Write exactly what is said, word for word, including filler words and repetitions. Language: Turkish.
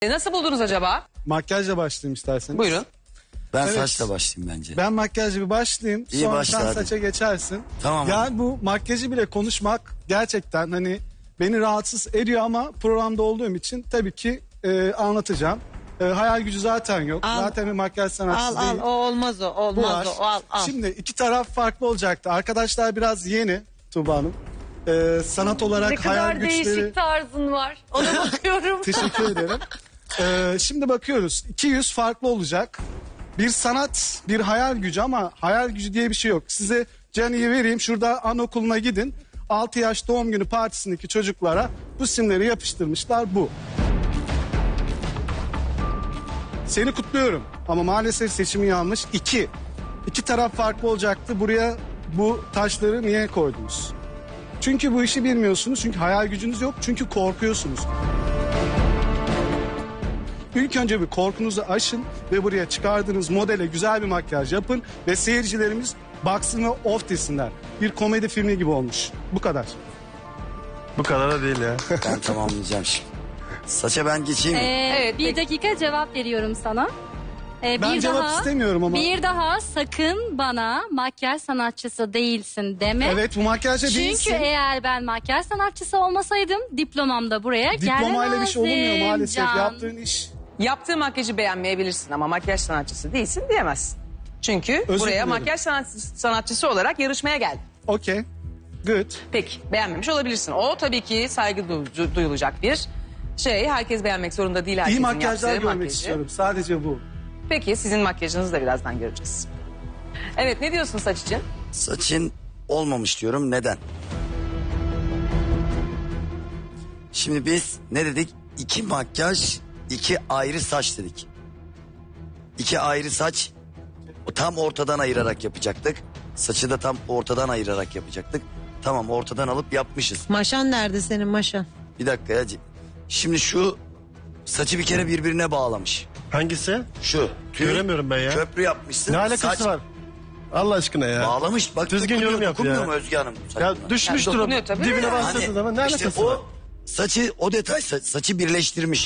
E, nasıl buldunuz acaba? Makyajla başlayayım isterseniz. Buyurun. Ben Evet. saçla başlayayım bence. Ben makyajla bir başlayayım. İyi sonra başla sen hadi. saça geçersin. Tamam Yani abi. bu makyajı bile konuşmak gerçekten hani beni rahatsız ediyor ama programda olduğum için tabii ki e, anlatacağım. E, hayal gücü zaten yok. Al. Zaten bir makyaj sanatçısı Al al değil. o olmaz o Bu olmaz var. o al al. Şimdi iki taraf farklı olacaktı. Arkadaşlar biraz yeni Tuğba Hanım. E, sanat olarak Ne hayal kadar güçleri... değişik tarzın var. Ona bakıyorum. Teşekkür ederim. Ee, şimdi bakıyoruz. iki yüz farklı olacak. Bir sanat, bir hayal gücü ama hayal gücü diye bir şey yok. Size Cani'yi vereyim. Şurada anaokuluna gidin. altı yaş doğum günü partisindeki çocuklara bu simleri yapıştırmışlar bu. Seni kutluyorum ama maalesef seçimi yanlış. İki. İki taraf farklı olacaktı. Buraya bu taşları niye koydunuz? Çünkü bu işi bilmiyorsunuz. Çünkü hayal gücünüz yok. Çünkü korkuyorsunuz. İlk önce bir korkunuzu aşın ve buraya çıkardığınız modele güzel bir makyaj yapın ve seyircilerimiz baksın ve of desinler. Bir komedi filmi gibi olmuş. Bu kadar. Bu kadar da değil ya. Ben tamamlayacağım şimdi. Saça ben geçeyim mi? Ee, Evet, bir peki. dakika cevap veriyorum sana. Ee, Ben bir cevap daha, istemiyorum ama. Bir daha sakın bana makyaj sanatçısı değilsin deme. Evet, bu makyajda Çünkü değilsin. eğer ben makyaj sanatçısı olmasaydım diplomam da buraya gelemezdim. Diplomayla bir şey olmuyor maalesef. Can. Yaptığın iş. Yaptığı makyajı beğenmeyebilirsin ama makyaj sanatçısı değilsin diyemezsin. Çünkü Özür buraya dilerim. makyaj sanatçısı, sanatçısı olarak yarışmaya geldin. Okey. Good. Peki beğenmemiş olabilirsin. O tabii ki saygı du- duyulacak bir şey. Herkes beğenmek zorunda değil. İyi Herkesin makyajlar yaptığı görmek makyajı. istiyorum. Sadece bu. Peki sizin makyajınızı da birazdan göreceğiz. Evet, ne diyorsun saç için? Saçın olmamış diyorum. Neden? Şimdi biz ne dedik? İki makyaj, iki ayrı saç dedik. İki ayrı saç tam ortadan ayırarak yapacaktık. Saçı da tam ortadan ayırarak yapacaktık. Tamam, ortadan alıp yapmışız. Maşan nerede senin maşan? Bir dakika ya. Şimdi şu saçı bir kere birbirine bağlamış. Hangisi? Şu. tüy, Göremiyorum ben ya. Köprü yapmışsın. Ne alakası saç var? Allah aşkına ya. Bağlamış. Bak Düzgün dokunuyor, yorum yap dokunmuyor ya. mu Özge Hanım? Ya saçına? düşmüştür Yani o. dokunuyor tabii. Dibine Yani bastırdığı zaman ne işte alakası var? o saçı, o detay sa- saçı birleştirmiş.